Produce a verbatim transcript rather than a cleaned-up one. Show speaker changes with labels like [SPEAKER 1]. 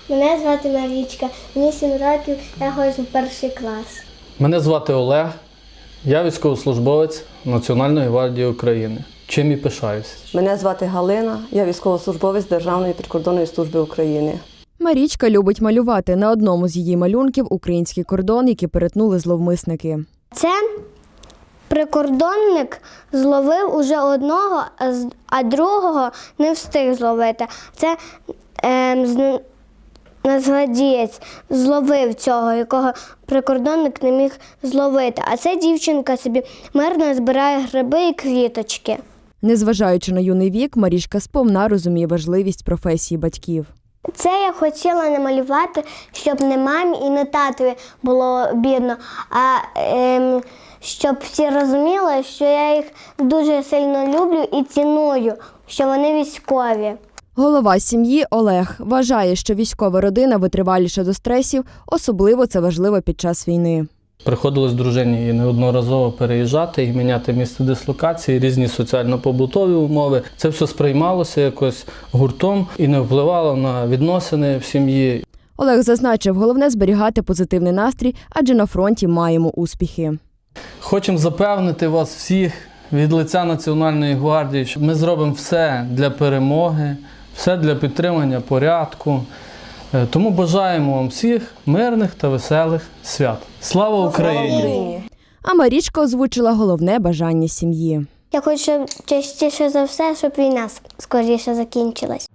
[SPEAKER 1] Мене звати Марічка, мені сім років, я ходжу в перший клас.
[SPEAKER 2] Мене звати Олег, я військовослужбовець Національної гвардії України. Чим і пишаюся.
[SPEAKER 3] Мене звати Галина, я військовослужбовець Державної прикордонної служби України.
[SPEAKER 4] Марічка любить малювати. На одному з її малюнків український кордон, який перетнули зловмисники.
[SPEAKER 1] Це прикордонник зловив уже одного, а другого не встиг зловити. Це е, нацгвардієць зловив цього, якого прикордонник не міг зловити. А ця дівчинка собі мирно збирає гриби і квіточки.
[SPEAKER 4] Незважаючи на юний вік, Марічка сповна розуміє важливість професії батьків.
[SPEAKER 1] Це я хотіла намалювати, щоб не мамі і не татові було бідно, а ем, щоб всі розуміли, що я їх дуже сильно люблю і ціную, що вони військові.
[SPEAKER 4] Голова сім'ї Олег вважає, що військова родина витриваліша до стресів, особливо це важливо під час війни.
[SPEAKER 2] Приходилось дружині і неодноразово переїжджати і міняти місце дислокації, різні соціально-побутові умови. Це все сприймалося якось гуртом і не впливало на відносини в сім'ї.
[SPEAKER 4] Олег зазначив, головне зберігати позитивний настрій, адже на фронті маємо успіхи.
[SPEAKER 2] Хочемо запевнити вас всіх від лиця Національної гвардії, що ми зробимо все для перемоги, все для підтримання порядку. Тому бажаємо вам всіх мирних та веселих свят. Слава Україні!
[SPEAKER 4] А Марічка озвучила головне бажання сім'ї.
[SPEAKER 1] Я хочу частіше за все, щоб війна скоріше закінчилась.